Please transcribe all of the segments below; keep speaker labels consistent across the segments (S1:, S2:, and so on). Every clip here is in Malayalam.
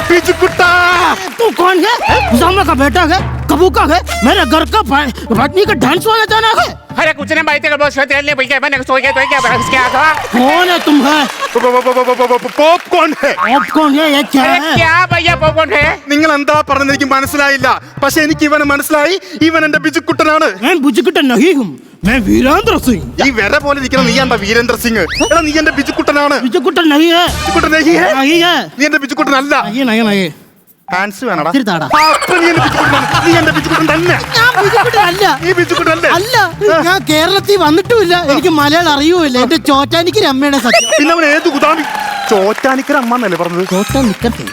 S1: बिजुकुट्टा।
S2: तू कौन है? उसामा का बेटा है, कबूका है, मेरे घर का पत्नी का डांस वाला जाना है।
S3: अरे कुछ नहीं भाई, तेरे बॉस कहते हैं भैया मैंने सो गया तो क्या क्या था?
S2: कौन है तुम है?
S1: പോപ്കോൺ है।
S2: पॉपकॉर्न है, ये क्या
S3: अरे
S2: है?
S3: क्या भैया पॉपकॉर्न है?
S1: നിങ്ങൾ എന്താ പറഞ്ഞത് എനിക്ക് മനസ്സിലായില്ല. പക്ഷെ എനിക്ക് ഇവനെ മനസ്സിലായി. ഇവൻ എന്റെ ബിജുക്കുട്ടനാണ്.
S2: मैं बुजुकुटन नहीं हूँ, मैं वीरेंद्र सिंह।
S1: ഈ വര പോലെ നിൽക്കുന്ന നീ എന്താ വീരേന്ദ്ര സിംഗ്? എടാ നീ എന്റെ ബിജുക്കുട്ടനാണ്.
S2: बुजुकुटन नहीं है,
S1: ബിജുക്കുട്ടൻ नहीं है?
S2: नहीं है,
S1: നീ എന്റെ ബിജുക്കുട്ടനല്ല.
S2: नहीं नहीं नहीं।
S1: ഹാൻസ് വേണടാ.
S2: തിരുത്താടാ.
S1: അപ്പൊ നീ എന്റെ ബിജുക്കുട്ടനാണ്. നീ എന്റെ ബിജുക്കുട്ടൻ തന്നെ.
S2: ഞാൻ ബിജുക്കുട്ടൻ അല്ല.
S1: നീ ബിജുക്കുട്ടനല്ലേ?
S2: അല്ല, ഞാൻ കേരളത്തിൽ വന്നിട്ടുമില്ല, എനിക്ക് മലയാളം അറിയൂല. എന്റെ ചോറ്റാനിക്ക് അമ്മയുടെ സത്യം.
S1: പിന്നെ അവൻ ഏത് കുതാമി? ചോറ്റാനിക്കര അമ്മ എന്നല്ലേ പറഞ്ഞത്?
S2: ചോറ്റാൻ നിക്കട്ടെ.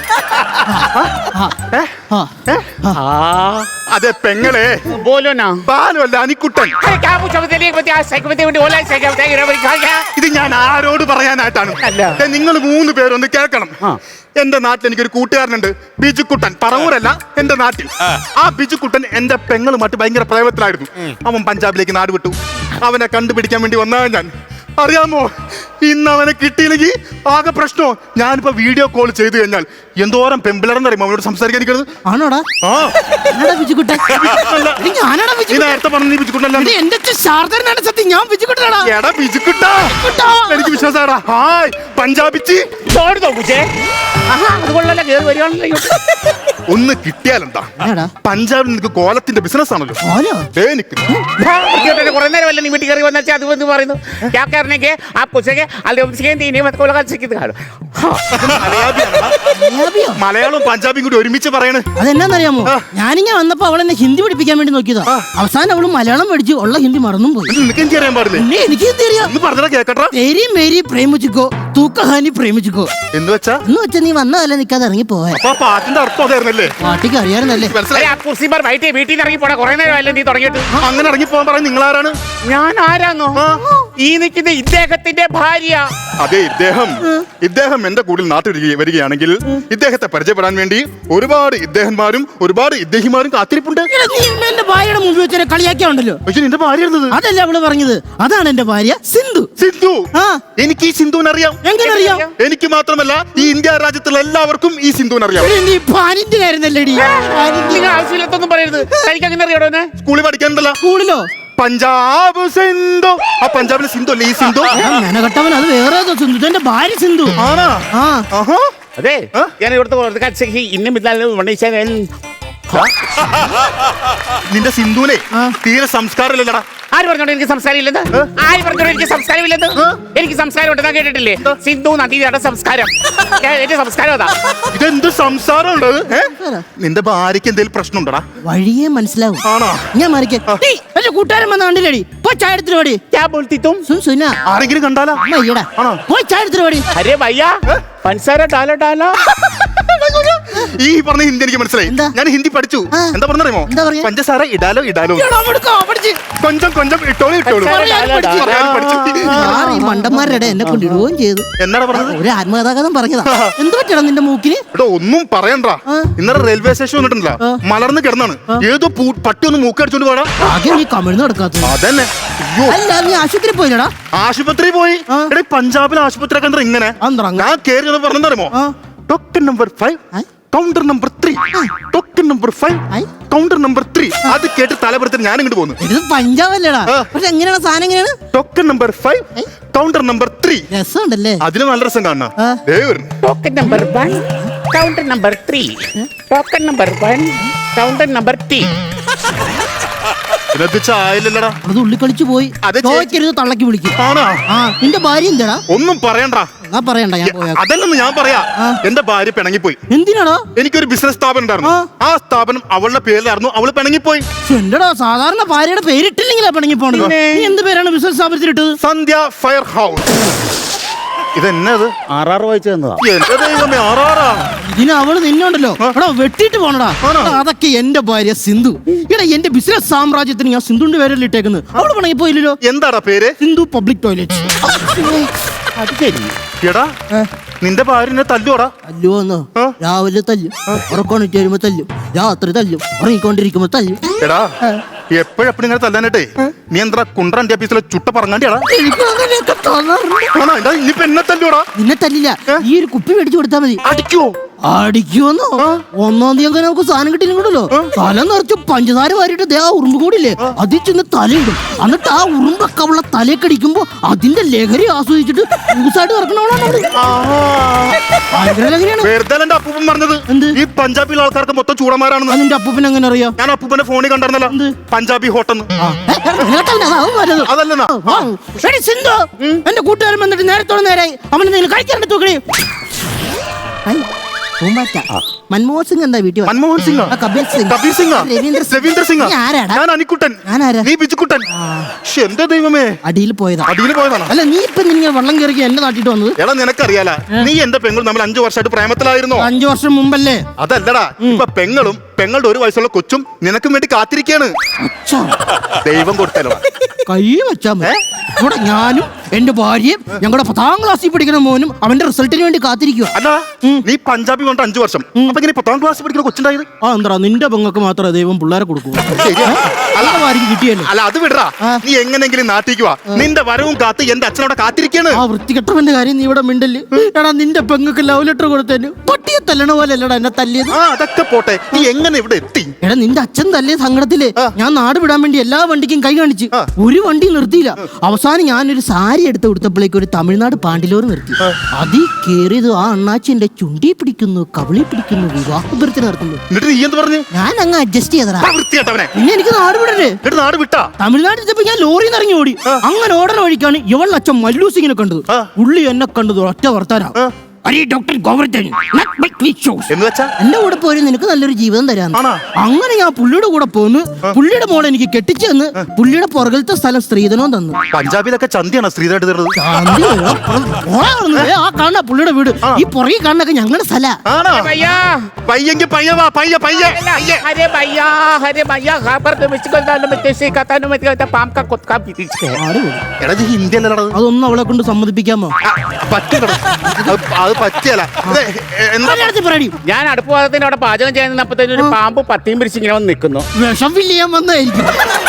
S1: അതെ പെങ്ങളെ.
S3: बोलो ना।
S1: ബാലുവല്ല അനിക്കുട്ടൻ.
S3: अरे क्या पूछा मुझे एक बता साइकिल में तेरे ओला साइकिल बताइए रे भाई क्या?
S1: ഇത് ഞാൻ ആരോട് പറയാനായിട്ടാണ്?
S3: അല്ല.
S1: നിങ്ങൾ 3 പേരൊന്ന് കേൾക്കണം. എന്റെ നാട്ടിൽ എനിക്കൊരു കൂട്ടുകാരനുണ്ട്, ബിജുക്കുട്ടൻ. പറവൂരല്ല, എന്റെ നാട്ടിൽ. ആ ബിജുക്കുട്ടൻ എന്റെ പെങ്ങളുമായിട്ട് ഭയങ്കര പ്രേമത്തിലായിരുന്നു. അവൻ പഞ്ചാബിലേക്ക് നാട് വിട്ടു. അവനെ കണ്ടുപിടിക്കാൻ വേണ്ടി വന്നതാണ് ഞാൻ. അറിയാമോ, ഇന്ന് അവനെ കിട്ടിയില്ലെങ്കിൽ ആകെ പ്രശ്നമോ. ഞാനിപ്പോ വീഡിയോ കോൾ ചെയ്തു കഴിഞ്ഞാൽ എന്തോരം പെമ്പിളർന്ന് അറിയുമോ അവനോട് സംസാരിക്കാനിരിക്കുന്നത്.
S2: ആണോടാ? ബിജുക്കുട്ടൻ ഞാനാടാ.
S1: നീ നേരത്തെ പറഞ്ഞു നീ ബിജുക്കുട്ടനല്ല.
S2: എന്റെ ശാരദനാണ് സത്യം, ഞാൻ ബിജുക്കുട്ടനാടാ.
S1: എടാ ബിജുക്കുട്ടാ, എനിക്ക് വിശ്വാസമാടാ. ഹായ് പഞ്ചാബിച്ചി.
S3: छोड़ दो मुझे। അതുകൊള്ളല്ല കേറി വരികയാണല്ലോ.
S1: ഒന്ന് കിട്ടിയാലെന്താ? പഞ്ചാബിൽ നിനക്ക് കോലത്തിന്റെ ബിസിനസ് ആണല്ലോ. എനിക്ക്
S3: കുറെ നേരം വല്ല നീ വീട്ടിൽ കയറി വന്നാൽ അത് വന്ന് പറയുന്നു क्या करने के आप पूछेंगे
S1: മലയാളവും പഞ്ചാബിയും കൂടി ഒരുമിച്ച് പറയണേ.
S2: അതെന്നാന്നറിയാമോ, ഞാനിങ്ങനെ വന്നപ്പോ അവളെന്നെ ഹിന്ദി പഠിപ്പിക്കാൻ വേണ്ടി നോക്കിയതാ. അവസാനം അവള് മലയാളം പഠിച്ചു, ഉള്ള ഹിന്ദി മറന്നും പോയി.
S1: നിനക്ക് എനിക്ക് അറിയാൻ പാടില്ലേ?
S2: എനിക്ക് ഹിന്ദി അറിയാം.
S1: ഒന്ന് പറഞ്ഞാ കേക്കട്ടെ.
S2: തെരി മേരി പ്രേമിച്ചിക്കോ, തൂ കഹാനി പ്രേമിച്ചിക്കോ
S1: എന്ന് വെച്ചാ
S2: നീ വന്നതല്ല, നിക്കാതെ ഇറങ്ങി പോയ.
S1: അപ്പൊ ആ പാട്ടിന്റെ അർത്ഥം അതായിരുന്നല്ലേ?
S2: പാട്ടിക്ക് അറിയാറുന്നല്ലേ?
S3: വീട്ടിൽ നിന്ന് ഇറങ്ങി പോടാ. കുറെ നേരമല്ലേ നീ തുടങ്ങിയിട്ട്.
S1: അങ്ങനെ ഇറങ്ങി പോകാൻ പറയാൻ നിങ്ങൾ ആരാണ്?
S3: ഞാൻ ആരാന്നോ? ഈ നിൽക്കുന്ന ഇദ്ദേഹത്തിന്റെ ഭാര്യ.
S1: അതെ, ഇദ്ദേഹം എന്റെ കൂടെ നാട്ടിൽ വരികയാണെങ്കിൽ ഇദ്ദേഹത്തെ പരിചയപ്പെടാൻ വേണ്ടി ഒരുപാട് ഇദ്ദേഹന്മാരും ഒരുപാട് ഇദ്ദേഹിമാരും കാത്തിരിപ്പുണ്ട്.
S2: എന്റെ ഭാര്യയുടെ മുമ്പിൽ വെച്ച് കളിയാക്കിയുണ്ടല്ലോ.
S1: പക്ഷെ നിന്റെ ഭാര്യ
S2: അതല്ല അവള് പറഞ്ഞത്. അതാണ് എന്റെ ഭാര്യ സിന്ധു.
S1: സിന്ധു? എനിക്ക് ഈ സിന്ധുവിനെ അറിയാം.
S2: എങ്ങനെ അറിയാം?
S1: എനിക്ക് മാത്രമല്ല, ഈ ഇന്ത്യ രാജ്യത്തുള്ള എല്ലാവർക്കും ഈ സിന്ധുവിനെ അറിയാം.
S3: ആവശ്യമില്ലാത്തൊന്നും പറയരുത്. എനിക്ക് അങ്ങനെ അറിയാടോ?
S1: സ്കൂളിൽ പഠിക്കാനുണ്ടല്ലോ.
S2: സ്കൂളിലോ?
S1: പഞ്ചാബ് സിന്ധു. ആ പഞ്ചാബിലെ സിന്ധു അല്ലേ ഈ സിന്ധു?
S2: മെനകെട്ടവൻ, അത് വേറെ സിന്ധു. എന്റെ ഭാര്യ സിന്ധു.
S3: അതെ, ഞാൻ ഇവിടുത്തെ ഇന്ന
S1: നിന്റെ സിന്ധുവിനെ തീരെ സംസ്കാരമില്ലടാ.
S3: ആര് പറഞ്ഞോണ്ട് എനിക്ക് സംസ്കാരമില്ലെന്ന്? ആര് പറഞ്ഞോണ്ട് എനിക്ക് സംസ്കാരമില്ലെന്ന്? എനിക്ക് സംസ്കാരം ഉണ്ടെന്നാ കേട്ടിട്ടില്ലേ? സിന്ധു നദിയുടെ സംസ്കാരം. എന്റെ സംസ്കാരം അതാ.
S1: ഇതെന്ത് സംസാരം ഉണ്ട്? നിന്റെ ഭാര്യക്ക് എന്തെങ്കിലും പ്രശ്നം ഉണ്ടടാ?
S2: വഴിയെ മനസ്സിലാവും.
S1: ആണോ?
S2: ഞാൻ കൂട്ടുകാരൻ വന്ന കണ്ടില്ലേടി? പോയി ചായ എടുത്തിട്ട് പാടി.
S1: ആരെങ്കിലും കണ്ടാലോ?
S2: പോയി ചായ എടുത്തിട്ട് പാടി.
S3: അരെ ഭയ്യാ, പഞ്ചസാര ഡാലോ ഡാലോ.
S1: ഈ പറഞ്ഞ ഹിന്ദി എനിക്ക് മനസ്സിലായി. ഞാൻ ഹിന്ദി പഠിച്ചു. എന്താ പറഞ്ഞറിയുമോ? പഞ്ചസാര ഇടാലോ ഇടാലോ, കൊഞ്ചം കൊഞ്ചം ഇട്ടോളൂ ഇട്ടോളൂ.
S2: മണ്ടന്മാരുടെ എന്നെ കൊണ്ട് ഇടുകയും ചെയ്തു.
S1: എന്നാണ് പറഞ്ഞത്?
S2: ഒരു ആത്മകഥാഗതം പറഞ്ഞതാ. എന്ത് പറ്റണം നിന്റെ മൂക്കിന്?
S1: ഒന്നും പറയണ്ട. ഇന്നലെ റെയിൽവേ സ്റ്റേഷൻ വന്നിട്ടുണ്ടല്ലോ, മലർന്ന് കിടന്നാണ്. ഏതോ പട്ടി ഒന്ന് മൂക്കടിച്ചോണ്ട് പോടാ.
S2: ആകെ നീ കമിഴ്ന്ന് കിടക്കാത്ത.
S1: അതന്നെ.
S2: അല്ല, നീ ആശുപത്രി പോയില്ലടാ?
S1: ആശുപത്രി പോയി. എടേ പഞ്ചാബിലെ ആശുപത്രി ഒക്കെ ഇങ്ങനെ ഞാൻ കേറി പറഞ്ഞറിയുമോ? Token number 5 counter number 3, token number 5 counter number 3. അത് കേട്ട് തലപുറത്തിന് ഞാൻ ഇങ്ങോട്ട് പോകുന്നു.
S2: ഇത് പഞ്ചാബല്ലേടാ? പക്ഷെ എങ്ങനെയാണ് സാധനം? എങ്ങനെയാണ്?
S1: Token number 5 counter number 3.
S2: രസമുണ്ടല്ലേ?
S1: അതിന് നല്ല രസം കാണണം.
S3: Token number 1 counter number 3, token number 1 counter number 3.
S1: ചായല്ലടാ,
S2: അത് ഉള്ളി കളിച്ചു പോയി. തള്ളക്കി വിളിക്കും. നിന്റെ ഭാര്യ എന്താടാ?
S1: ഒന്നും പറയണ്ട.
S2: പറയണ്ട,
S1: അതല്ലെന്ന് ഞാൻ പറയാ. എന്റെ ഭാര്യ പിണങ്ങിപ്പോയി.
S2: എന്തിനാണോ?
S1: എനിക്കൊരു ബിസിനസ് സ്ഥാപനം ഉണ്ടായിരുന്നു. ആ സ്ഥാപനം അവളുടെ പേരിലായിരുന്നു. അവള് പിണങ്ങിപ്പോയി.
S2: എന്റെടാ, സാധാരണ ഭാര്യയുടെ പേരിട്ടില്ലെങ്കിലാ പിണങ്ങിപ്പോണത്. നീ എന്ത് പേരാണ് ബിസിനസ് സ്ഥാപനത്തിലിട്ടത്?
S1: Sandhya fire house. ഇതെന്നത്
S3: ആറാറ് വായിച്ചു തന്നതാ.
S1: എന്റെ ദൈവമേ, ആറാറാ.
S2: ഇതിന് അവള് നിന്നോണ്ടല്ലോ എടാ വെട്ടിട്ട് പോണടാ. അതൊക്കെ എന്റെ ഭാര്യ സിന്ധു. എടാ, എന്റെ ബിസിനസ് സാമ്രാജ്യത്തിന് ഞാൻ സിന്ധുവിന്റെ പേരല്ലേ ഇട്ടേക്കുന്നത്. അവള് പണങ്ങി പോയില്ലല്ലോ.
S1: എന്താടാ പേര്?
S2: Sindhu public toilet.
S3: അത് ശരി.
S1: എടാ, നിന്റെ ഭാര്യനെ തല്ലുവാടാ?
S2: തല്ലുവോന്നോ? രാവിലെ തല്ലും, ഉറക്കോണിട്ട് വരുമ്പോ തല്ലും, രാത്രി തല്ലും, ഉറങ്ങിക്കൊണ്ടിരിക്കുമ്പോ തല്ലും.
S1: എടാ, എപ്പോഴെപ്പോഴും ഇങ്ങനെ തല്ലാനായിട്ടേ നീ എന്താ കുണ്ട്രന്റെ ഓഫീസിലെ ചുട്ട പറങ്ങാണ്ടിയാടാ?
S2: ഇനിയിപ്പോ എന്നെ തല്ലില്ല. ഈ ഒരു കുപ്പി മേടിച്ചു കൊടുത്താൽ മതി.
S1: അടിക്കോ?
S2: അടിക്കുമെന്നോ? ഒന്നാം തീയതി അങ്ങനെ നമുക്ക് സാധനം കിട്ടിയില്ലല്ലോ, തല നിറച്ച് പഞ്ചസാര വാരിട്ട് ദേ ആ ഉറുമ്പ് കൂടില്ലേ അതിൽ ചെന്ന് തലയിടും. എന്നിട്ട് ആ ഉറുമ്പൊക്കെ ഉള്ള തലക്കടിക്കുമ്പോ അതിന്റെ ലഹരി ആസ്വദിച്ചിട്ട് ൂസായിട്ട് ഇറക്കണോളാണ് ഭയങ്കര ലഹരിയാണ്.
S1: വെറുതെ എന്റെ അപ്പൂപ്പൻ പറഞ്ഞത്
S2: എന്ത്?
S1: ഈ പഞ്ചാബിലെ ആൾക്കാർക്ക് മൊത്തം ചൂടന്മാരാണെന്ന്.
S2: അതിന്റെ അപ്പൂപ്പൻ എങ്ങനെ അറിയാം?
S1: ഞാൻ അപ്പൂപ്പന്റെ ഫോണിൽ കണ്ടായിരുന്നല്ലോ,
S2: എന്ത്?
S1: പഞ്ചാബി ഹോട്ടെന്ന്. അതല്ലെന്നാ
S2: സിന്ധു എന്റെ കൂട്ടുകാരൻ വന്നിട്ട് നേരത്തോടെ നേരെ അവന് എന്തെങ്കിലും കഴിക്കാറുണ്ട് തൂക്കണേ. മൻമോഹൻ സിംഗ് എന്താ വീട്ടിൽ
S1: മൻമോഹൻ സിംഗ്,
S2: കബീർ സിംഗ്,
S1: കബീർ സിംഗ്, രവീന്ദ്ര സിംഗ്,
S2: നീ ആരാടാ?
S1: ഞാൻ അനിക്കുട്ടൻ,
S2: ഞാനാരാ?
S1: നീ ബിജുക്കുട്ടൻ. ശ്ശെ, എന്റെ ദൈവമേ,
S2: അടിയിൽ പോയതാ.
S1: അടിയിൽ പോയതാണ്.
S2: അല്ല നീ ഇപ്പൊ നിന്നെ വെള്ളം കയറി എന്റെ നാട്ടിട്ട് വന്നത്?
S1: എടാ നിനക്കറിയാല, നീ എന്റെ പെങ്ങളും നമ്മൾ 5 വർഷമായിട്ട് പ്രേമത്തിലായിരുന്നോ?
S2: 5 വർഷം മുമ്പല്ലേ?
S1: അതല്ലടാ, ഇപ്പൊ പെങ്ങളും പെങ്ങളുടെ 1 വയസ്സുള്ള കൊച്ചും നിനക്കും വേണ്ടി കാത്തിരിക്കാണ്. ദൈവം കൊടുത്തല്ലോ.
S2: കൈ വെച്ചാ മതി. ഇവിടെ ഞാനും എന്റെ ഭാര്യയും ഞങ്ങളുടെ 10ാം ക്ലാസ്സിൽ പഠിക്കുന്ന മോനും അവന്റെ റിസൾട്ടിന് വേണ്ടി കാത്തിരിക്കുക.
S1: അല്ല, നീ പഞ്ചാബി കൊണ്ട് 5 വർഷം, അപ്പൊ ഇങ്ങനെ 10ാം ക്ലാസ് പഠിക്കുന്ന കൊച്ചുണ്ടായത്?
S2: ആ എന്താ നിന്റെ പെങ്ങൾക്ക് മാത്രമേ ദൈവം പിള്ളേരെ കൊടുക്കൂ.
S1: ശരിയാ.
S2: ആർക്കും കിട്ടിയല്ലോ.
S1: അല്ല അത് വിടറാ, നീ എങ്ങനെങ്കിലും നാട്ടിക്ക് വാ. നിന്റെ വരവും കാത്ത് എന്റെ അച്ഛനോടെ കാത്തിരിക്കാണ്.
S2: ആ വൃത്തികെട്ടവന്റെ കാര്യം നീ ഇവിടെ മിണ്ടല്. എടാ നിന്റെ പെങ്ങൾക്ക് ലവ് ലെറ്റർ കൊടുത്തതിന് പട്ടിയെ തല്ലണ പോലെ അല്ലടാ എന്നെ തല്ലിയത്.
S1: ആ അതൊക്കെ പോട്ടെ, നീ എങ്ങനെ ഇവിടെ എത്തി?
S2: എടാ നിന്റെ അച്ഛൻ തല്ലിയ സങ്കടത്തില് ഞാൻ നാട് വിടാൻ വേണ്ടി എല്ലാ വണ്ടിക്കും കൈ കാണിച്ച് ഒരു വണ്ടി നിർത്തിയില്ല. അവസാനം ഞാനൊരു സാരി എടുത്ത് കൊടുത്തപ്പോഴേക്ക് ഒരു തമിഴ്നാട് പാണ്ടിലോർ നിർത്തി. അതിൽ കേറിയത് ആ അണ്ണാച്ചി എന്റെ ചുണ്ടി പിടിക്കുന്നു, കവിളി പിടിക്കുന്നു, വിവാഹപുരത്തിന് നടത്തുന്നു.
S1: എന്നിട്ട് നീ എന്ത് പറഞ്ഞു?
S2: ഞാൻ അങ്ങ് അഡ്ജസ്റ്റ് ചെയ്തടാ.
S1: വൃത്തിയായിട്ടവനെ
S2: പിന്നെ എനിക്ക് നാട് വിടല്ലേ.
S1: എന്നിട്ട് നാട് വിട്ടാ?
S2: തമിഴ്നാട്ടിൽ ചെന്നപ്പോ ഞാൻ ലോറിയിൽ ഇറങ്ങി ഓടി. അങ്ങനെ ഓടണ വഴിക്കാണ് ഇവളുടെ അച്ഛൻ മല്ലു സിംഗിനെ കണ്ടത്. പുള്ളി എന്നെ കണ്ടത് ഒറ്റ വർത്താനാ, ഡോക്ടർ ഗോവർദ്ധൻ
S1: എന്ന് വെച്ചാ
S2: എന്റെ കൂടെ പോയി നിനക്ക് നല്ലൊരു ജീവിതം തരാന്ന്. അങ്ങനെ ഞാൻ പുള്ളിയുടെ കൂടെ പോന്ന് പുള്ളിയുടെ മോളെ എനിക്ക് കെട്ടിച്ചു തന്ന് പുള്ളിയുടെ പുറകിലത്തെ സ്ഥലം സ്ത്രീധനവും തന്നു.
S1: പഞ്ചാബിലൊക്കെ ചന്തിയാണ് സ്ത്രീധനായിട്ട് തരുന്നത്.
S2: ആ കാണുന്ന പുള്ളിയുടെ വീട്, ഈ പുറകെ കാണുന്നൊക്കെ ഞങ്ങളുടെ സ്ഥല.
S1: പയ്യെങ്കിൽ പയ്യവാ, പയ്യ പയ്യ.
S3: अरे भैया, अरे भैया, खबर तो मुझको दाल में कैसे कहता है, मैं कहता पाम का कुछ का भी है.
S1: എടാ ഇത് ഹിന്ദി അല്ലടാ.
S2: അതൊന്നും അവളെ കൊണ്ട് സമ്മതിപ്പിക്കാമോ?
S1: പറ്റില്ലടാ, അത് പറ്റിയല്ല. എന്താ
S3: ഞാൻ അടുപ്പ് ഭാഗത്തിന് അവിടെ പാചകം ചെയ്യുന്നപ്പോഴത്തേനും ഒരു പാമ്പ് പത്തിയും പിരിച്ച് ഇങ്ങനെ വന്ന് നിൽക്കുന്നു.
S2: വിഷം ഫില്ല് ചെയ്യാൻ വന്നായിരിക്കും.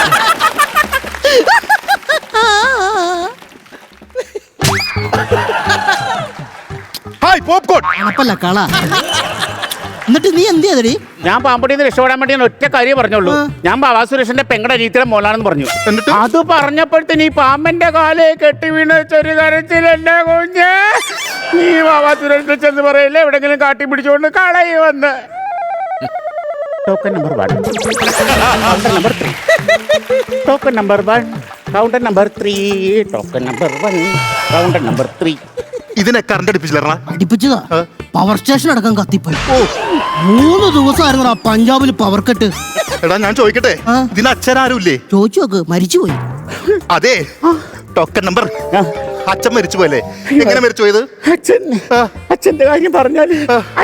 S1: Hi popcorn.
S2: അപ്പല്ല കള. എന്നിട്ട് നീ എന്ത് ചെയ്തടി?
S3: ഞാൻ പാമ്പടിയിൽ നിന്ന് രക്ഷപ്പെടാൻ വേണ്ടി ഞാൻ ഒറ്റ കാര്യം പറഞ്ഞുള്ളൂ. ഞാൻ ബാബാ സുരേഷിന്റെ പെങ്ങളുടെ അനിയത്തിയുടെ മോളാണെന്ന് പറഞ്ഞു. അത് പറഞ്ഞപ്പോഴത്തേന് ഈ പാമ്പന്റെ കാലേ കെട്ടി വീണ ചെറിയ കരച്ചിൽ എന്നെ കുഞ്ഞ്. നീ ബാബാ സുരേഷിനെ ചെന്ന് പറയില്ലേ എവിടെങ്കിലും കാട്ടി പിടിച്ചുകൊണ്ട് കളയി വന്ന്. Token number 1, counter number 3, token number 1, counter number 3, token number 1, counter number 3.
S1: ഇതിനെ കറണ്ട് അടിപ്പിച്ചില്ല?
S2: അടിപ്പിച്ചതാ. പവർ സ്റ്റേഷൻ അടക്കം കത്തിപ്പോയി. 3 ദിവസമായിരുന്നു ആ പഞ്ചാബിൽ പവർ കട്ട്.
S1: എടാ ഞാൻ ചോദിക്കട്ടെ, ഇതിന് അച്ഛനാരും ഇല്ലേ?
S2: ചോദിച്ചു നോക്ക്, മരിച്ചുപോയി.
S1: അതെ, ടോക്കൺ നമ്പർ അച്ഛൻ മരിച്ചു പോയല്ലേ? എങ്ങനെ മരിച്ചു പോയത്?
S3: അച്ഛന്റെ കാര്യം പറഞ്ഞാല്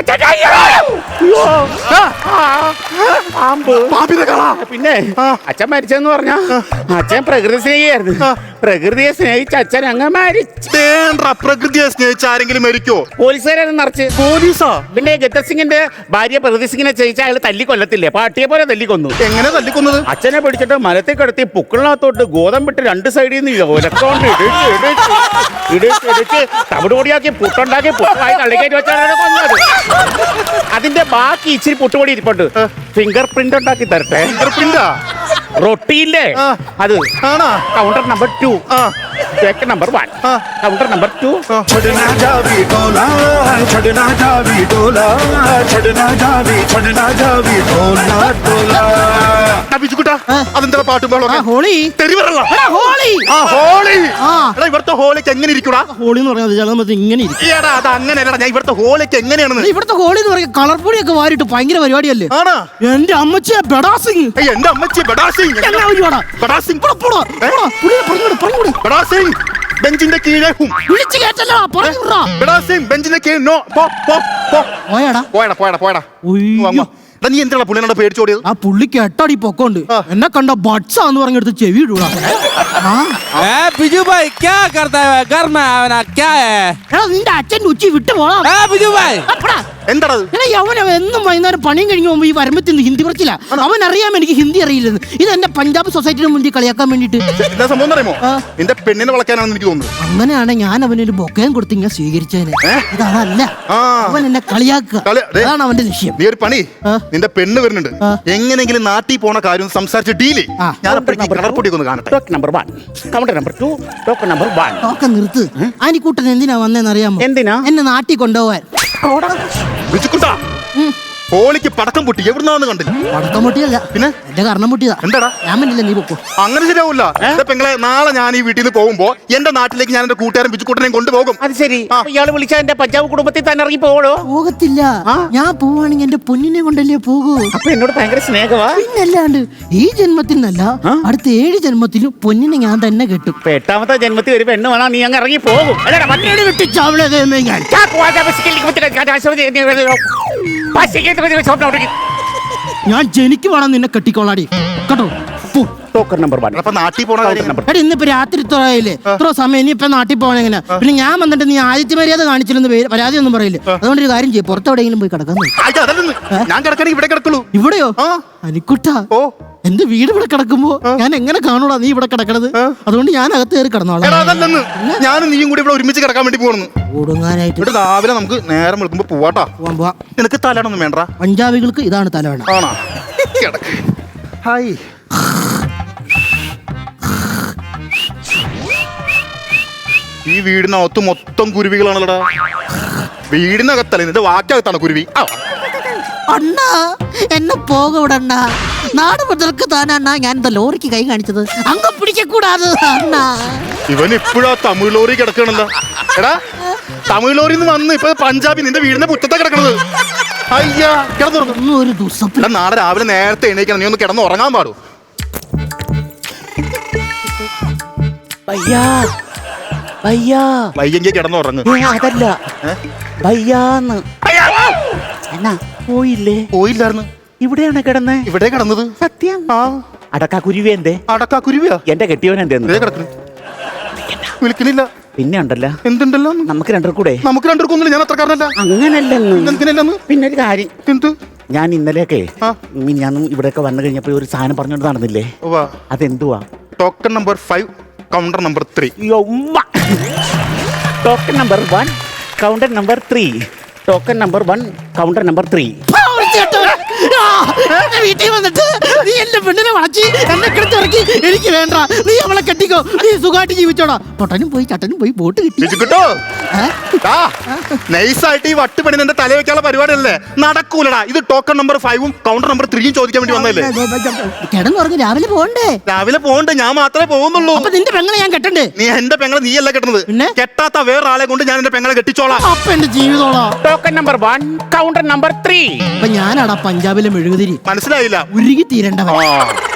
S3: പിന്നെ അച്ഛൻ മരിച്ചെന്ന് പറഞ്ഞ അച്ഛൻ പ്രകൃതി സ്നേഹിയായിരുന്നു. പ്രകൃതിയെ സ്നേഹിച്ച അച്ഛൻ അങ്ങ് മരിച്ചു.
S1: പ്രകൃതിയെ സ്നേഹിച്ച ആരെങ്കിലും മരിക്കോ?
S3: പോലീസുകാരും നിറച്ച്.
S1: പോലീസാ?
S3: പിന്നെ ഗദ്ദർ സിംഗിന്റെ ഭാര്യ പ്രകൃതി സിംഗിനെ സ്നേഹിച്ച അയാൾ തല്ലിക്കൊല്ലത്തില്ലേ, പാട്ടിയെ പോലെ തല്ലിക്കൊന്നു.
S1: എങ്ങനെ തല്ലിക്കൊന്നത്?
S3: അച്ഛനെ പിടിച്ചിട്ട് മരത്തിൽ കിടത്തി പുക്കളിനകത്തോട്ട് ഗോതമ്പിട്ട് 2 സൈഡിൽ നിന്ന് ഒലക്കൊണ്ട് ഇടിച്ച് തവിട് പൊടിയാക്കി പുട്ടുണ്ടാക്കി പുട്ടുമായി തള്ളിക്കയറ്റി വെച്ചാണ് കൊന്നത്. അതിന്റെ ബാക്കി ഇച്ചിരി പുട്ടുപൊടി ഇരിപ്പുണ്ട്. ഫിംഗർ പ്രിന്റ് ഉണ്ടാക്കി തരട്ടെ.
S1: ഫിംഗർ പ്രിന്റാ?
S3: റൊട്ടിയില്ലേ അത്? Counter number 2, take number 1, counter number 2.
S4: छड़ना जावी डोला, छड़ना जावी डोला, छड़ना जावी डोला डोला.
S1: ബിജുക്കുട്ടാ, അതെന്താ പാട്ടും
S2: ഹോളി ഹോളി
S1: ഹോളി. ഇവിടുത്തെ ഹോളിക്ക് എങ്ങനെ ഇരിക്കൂടാ?
S2: ഹോളി എന്ന് പറഞ്ഞാൽ ഇങ്ങനെ ഇരിക്കും.
S1: ഏടാ അത് അങ്ങനെയല്ലടാ, ഞാൻ ഇവിടുത്തെ ഹോളിക്ക് എങ്ങനെയാണെന്ന്.
S2: ഇവിടുത്തെ ഹോളി എന്ന് പറയുക കളർ പൊടിയൊക്കെ വാരിട്ട് ഭയങ്കര പരിപാടിയല്ലേ?
S1: ആണോ?
S2: എന്റെ അമ്മച്ചിയെ ബഡാ സിംഗ്.
S1: എന്റെ അമ്മച്ചി ബഡാ സിംഗ്. ബഡാ സിംഗ് ബഡാ സിംഗ് ബെഞ്ചിന്റെ കീഴേ
S2: വിളിച്ചു കേട്ടല്ലോ, പറഞ്ഞു
S1: ബഡാ സിംഗ് ബെഞ്ചിന്റെ കീഴ്. നോ, പോ പോ പോ.
S2: പോയാടാ
S1: പോയടാ പോയടാ പോയടാ. നീ എന്തിനാ പുള്ളിനോട് പേടിച്ചോടിയത്?
S2: ആ പുള്ളിക്ക് 8 അടി പൊക്കമുണ്ട്. എന്നെ കണ്ട ബട്സാന്ന് പറഞ്ഞെടുത്ത് ചെവി ഇടൂടാ.
S5: बिजू भाई क्या करता है घर में आना क्या है?
S2: എടാ നിന്റെ അച്ഛൻ ഉച്ചി വിട്ടു പോടാ.
S5: बिजू भाई
S1: എന്താടാ
S2: അവൻ എന്നും വൈകുന്നേരം പണിയും കഴിഞ്ഞ് പോകുമ്പോ ഈ വരമ്പത്തിന് ഹിന്ദി പറച്ചില്ല. അവൻ അറിയാം എനിക്ക് ഹിന്ദി അറിയില്ലെന്ന്. ഇത് എന്റെ പഞ്ചാബ് സൊസൈറ്റിയുടെ മുന്നിൽ കളിയാക്കാൻ വേണ്ടിട്ട്.
S1: എന്താ സംഭവം അറിയുമോ? നിന്റെ പെണ്ണിനെ വളയ്ക്കാനാണെന്ന് എനിക്ക് തോന്നുന്നത്.
S2: അങ്ങനെയാണ് ഞാൻ അവനൊരു ബൊക്കയും കൊടുത്ത് ഇങ്ങനെ സ്വീകരിച്ചേനെ. ഇതല്ല, അവൻ എന്നെ കളിയാക്കുക. അതാണ് അവന്റെ ലക്ഷ്യം.
S1: നീ ഒരു പണി, നിന്റെ പെണ്ണ് വരുന്നുണ്ട്, എങ്ങനെങ്കിലും നാട്ടിൽ പോണ കാര്യം സംസാരിച്ച് ഡീല്. ഞാൻ കളർപ്പൊടിയൊക്കെ ഒന്ന് കാണട്ടെ.
S3: Token number 1, counter number 2, token number 1.
S2: ഒക്കെ നിർത്ത്. ആനിക്കൂട്ടൻ എന്തിനാ വന്നേന്ന് അറിയാമോ?
S3: എന്തിനാ?
S2: എന്നെ നാട്ടിൽ കൊണ്ടുപോവാൻ.
S1: ബിജുക്കുട്ടാ, ഹോളിക്ക് പടക്കം പൊട്ടി എവിടുന്നാന്ന് കണ്ടില്ല.
S2: പടക്കം പൊട്ടിയല്ല,
S1: പിന്നെ
S2: എന്റെ കർണം പൊട്ടിയതാ.
S1: എന്താടാ?
S2: ഞാൻ പറ്റില്ല, നീ പൊക്കോ.
S1: അങ്ങനെ ശരിയാവൂല. എന്റെ പെങ്ങളെ, നാളെ ഞാൻ ഈ വീട്ടിൽ നിന്ന് പോകുമ്പോ എന്റെ നാട്ടിലേക്ക് ഞാൻ എന്റെ കൂട്ടുകാരൻ ബിജുക്കുട്ടനെയും കൊണ്ടുപോകും.
S3: അത് ശരി. ഇയാള് വിളിച്ചാ എന്റെ പഞ്ചാബ് കുടുംബത്തിൽ തന്നെ ഇറങ്ങി പോകണോ?
S2: പോകത്തില്ല. ഞാൻ പോവാണെങ്കിൽ എന്റെ പൊന്നിനെ കൊണ്ടല്ലേ പോകൂ.
S3: അപ്പൊ എന്നോട് ഭയങ്കര സ്നേഹമാ.
S2: പിന്നല്ലാണ്ട് ഈ ജന്മത്തിനല്ല, അടുത്ത 7 ജന്മത്തിലും പൊന്നിനെ ഞാൻ തന്നെ കെട്ടും.
S3: 8ാമത്തെ ജന്മത്തിൽ ഒരു പെണ്ണ് വേണം, നീ അങ്ങ് ഇറങ്ങി പോകും.
S2: ഞാൻ ജനിക്കുവാണെന്ന് നിന്നെ കെട്ടിക്കോളാടി കേട്ടോ.
S3: Token number 1.
S1: അപ്പൊ നാട്ടിൽ പോണ കാര്യം
S2: എടാ, ഇന്നിപ്പോ രാത്രി ഇത്രയായില്ലേ, ഇത്ര സമയം, ഇനി ഇപ്പൊ നാട്ടിൽ പോകണം എങ്ങനെ? പിന്നെ ഞാൻ വന്നിട്ട് നീ ആദിത്യ മര്യാദ കാണിച്ചില്ലെന്ന് പരാതി ഒന്നും പറയില്ല. അതുകൊണ്ട് ഒരു കാര്യം ചെയ്യും, പുറത്തെവിടെയെങ്കിലും പോയി കിടക്കാൻ.
S1: അതല്ലെന്ന്, ഞാൻ കിടക്കണേ ഇവിടെ കിടക്കുള്ളൂ.
S2: ഇവിടെയോ? അനിക്കുട്ടാ,
S1: ഓ
S2: എന്റെ വീട് ഇവിടെ കിടക്കുമ്പോ ഞാൻ എങ്ങനെ കാണൂടാ നീ ഇവിടെ കിടക്കണത്? അതുകൊണ്ട് ഞാൻ അകത്ത് കയറി കിടന്നോളാം.
S1: അതല്ലെന്ന്, ഞാനും നീയും കൂടി ഇവിടെ ഒരുമിച്ച് കിടക്കാൻ വേണ്ടി പോകുന്നു.
S2: ഓടുങ്ങാനായിട്ട്
S1: ഇവിടെ രാവിലെ നമുക്ക് നേരം വിളിക്കുമ്പോ പോവാട്ടാ.
S2: പോവാ.
S1: നിനക്ക് തലയാണൊന്നും വേണ്ട.
S2: പഞ്ചാബികൾക്ക് ഇതാണ് തലവേണം.
S1: ആണോ? കിടക്ക്. ഹായ്. ഈ വീടിനകത്ത് മൊത്തം കുരുവികളാണല്ലോടാ. വീടിനകത്തല്ല, നിന്റെ വാക്കകത്താണ് കുരുവി.
S2: അണ്ണാ, എന്നെ പോകവിടണ്ണ. നാട് മുതൽക്ക് താനണ്ണ ഞാൻ എന്താ ലോറിക്ക് കൈ കാണിച്ചത്? അങ്ങ് പിടിക്കൂടാതെ അണ്ണാ.
S1: ഇവൻ ഇപ്പോഴാ തമിഴ് ലോറി കിടക്കണല്ലോ. എടാ, തമിഴ് ലോറി വന്ന് ഇപ്പൊ പഞ്ചാബി നിന്റെ വീടിന്റെ മുറ്റത്താ കിടക്കണത്. അയ്യാ, കിടന്നു
S2: ഒരു ദുസ്വപ്നം.
S1: എടാ, നാളെ രാവിലെ നേരത്തെ എണീക്കണം. നീ ഒന്ന് കിടന്ന് ഉറങ്ങാൻ പാടൂ. വയ്യെങ്കിൽ കിടന്ന് ഉറങ്ങ്.
S3: അതല്ല, വയ്യാന്ന്. എന്നാ പോയില്ലേ?
S1: പോയില്ലായിരുന്നു.
S3: ഇവിടെയാണ് കിടന്നേ.
S1: ഇവിടെ കിടന്നത്.
S3: സത്യം. അടക്കാ കുരുവി എന്തേ?
S1: അടക്കാ കുരുവിയാ
S3: എന്റെ കെട്ടിയവൻ എന്തേന്ന്
S1: കിടക്കുന്നു. വിളിക്കണില്ല.
S3: പിന്നെ ഉണ്ടല്ലോ,
S1: എന്തുണ്ടല്ലോ?
S3: നമുക്ക് രണ്ടുകൂടെ.
S1: നമുക്ക് രണ്ടുപേർക്കൊന്നുമില്ല. ഞാൻ അത്രക്കാരനല്ല.
S3: അങ്ങനല്ലെന്ന്. പിന്നെ ഒരു കാര്യം,
S1: എന്ത്?
S3: ഞാൻ ഇന്നലെയൊക്കെ ഞാൻ ഇവിടെയൊക്കെ വന്നു കഴിഞ്ഞപ്പോ ഒരു സാധനം പറഞ്ഞോണ്ട് നടന്നില്ലേ? അതെന്തുവാ?
S1: Token number 5, counter number 3.
S3: Token number 1, counter number 3. Token number 1, counter number 3.
S2: വീട്ടിൽ വന്നിട്ട് നീ എന്റെ പെണ്ണിനെ വളച്ച് എന്നെ കിടത്തിറക്കി. എനിക്ക് വേണ്ട, നീ അവളെ കെട്ടിക്കോ, നീ സുഖമായിട്ട് ജീവിച്ചോടാ. പൊട്ടനും പോയി ചട്ടനും പോയി ബോട്ട് കിട്ടി.
S1: നൈസായിട്ട് ഈ വട്ടുപണി എന്റെ തല വെക്കാനുള്ള പരിപാടിയല്ലേ? നടക്കൂലടാ. ഇത് ടോക്കൺ നമ്പർ 5ഉം കൗണ്ടർ നമ്പർ 3യും ചോദിക്കാൻ വേണ്ടി വന്നല്ലേ?
S2: കിടന്നുറങ്ങി രാവിലെ പോകണ്ടേ?
S1: രാവിലെ പോകണ്ടേ? ഞാൻ മാത്രമേ പോകുന്നുള്ളൂ.
S2: അപ്പൊ നിന്റെ പെങ്ങളെ ഞാൻ കെട്ടണ്ടേ?
S1: നീ എന്റെ പെങ്ങളെ നീയല്ല കെട്ടുന്നത്. കെട്ടാത്ത വേറൊരാളെ കൊണ്ട് ഞാൻ എന്റെ പെങ്ങളെ കെട്ടിച്ചോളാം.
S2: അപ്പൊ എന്റെ ജീവിതോളാ.
S3: Token number 1, counter number 3.
S2: അപ്പൊ ഞാനാടാ പഞ്ചാബിലെ മെഴുകുതിരി.
S1: മനസ്സിലായില്ല?
S2: ഉരുകി തീരേണ്ടവൻ.